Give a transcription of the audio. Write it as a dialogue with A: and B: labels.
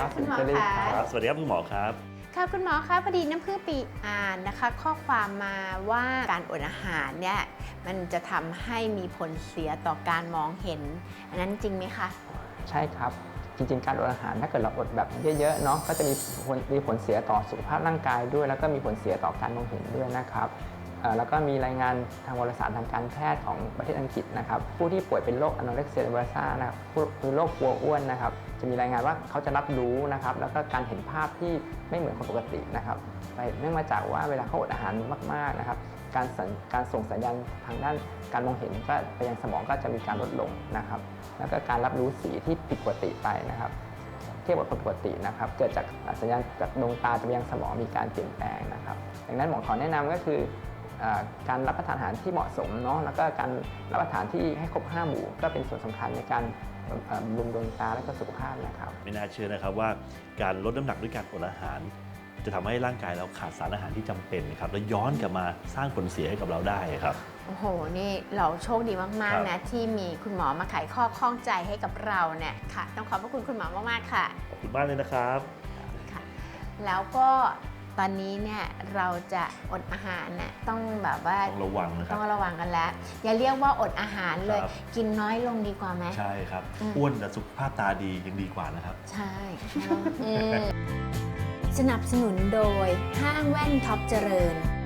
A: คุณหมอคะ
B: ครับสวัสดีครับคุณหมอครับ
A: ค่ะคุณหมอคะพอดีน้ำพึ่งปีอ่านนะคะ ข้อความมาว่าการอดอาหารเนี่ยมันจะทำให้มีผลเสียต่อการมองเห็นอันนั้นจริงไหมคะ
C: ใช่ครับจริงๆการอดอาหารถ้าเกิดเราอดแบบเยอะๆเนาะก็จะมีผลเสียต่อสุขภาพร่างกายด้วยแล้วก็มีผลเสียต่อการมองเห็นด้วยนะครับแล้วก็มีรายงานทางวารสารทางการแพทย์ของประเทศอังกฤษนะครับผู้ที่ป่วยเป็นโรคอโนเร็กเซียเนอเรซ่านะครับคือโรคกลัวอ้วนนะครับจะมีรายงานว่าเขาจะรับรู้นะครับแล้วก็การเห็นภาพที่ไม่เหมือนคนปกตินะครับเนื่องมาจากว่าเวลาเขาอดอาหารมากๆนะครับการส่งสัญญาณทางด้านการมองเห็นก็ไปยังสมองก็จะมีการลดลงนะครับแล้วก็การรับรู้สีที่ผิดปกติไปนะครับเทียบกับคนปกตินะครับเกิดจากสัญญาณจากดวงตาจะไปยังสมองมีการเปลี่ยนแปลงนะครับดังนั้นหมอขอแนะนำก็คือการรับประทานอาหารที่เหมาะสมเนาะแล้วก็การรับประทานที่ให้ครบ5 หมู่ก็เป็นส่วนสำคัญในการบำรุงดวงตาและก็สุขภาพนะครับ
B: ไม่น่าเชื่อนะครับว่าการลดน้ำหนักด้วยการอดอาหาร จะทำให้ร่างกายเราขาดสารอาหารที่จำเป็นครับแล้วย้อนกลับมาสร้างผลเสียให้กับเราได้ครับ
A: โอ้โหนี่เราโชคดีมากๆนะที่มีคุณหมอมาไขข้อข้องใจให้กับเราเนี่ยค่ะต้องขอบพระคุณคุณหมอมากๆค่ะ
B: ขอบคุณมากเลยนะครับ
A: ค่ะแล้วก็ตอนนี้เนี่ยเราจะอดอาหารเนี่ยต้องแบบว่า
B: ต้องระวังนะครับ
A: ต้องระวังกันแล้วอย่าเรียกว่าอดอาหารเลยกินน้อยลงดีกว่าไหม
B: ใช่ครับอ้วนแต่สุขภาพตาดียังดีกว่านะครับ
A: ใช่สนับสนุนโดยห้างแว่นท็อปเจริญ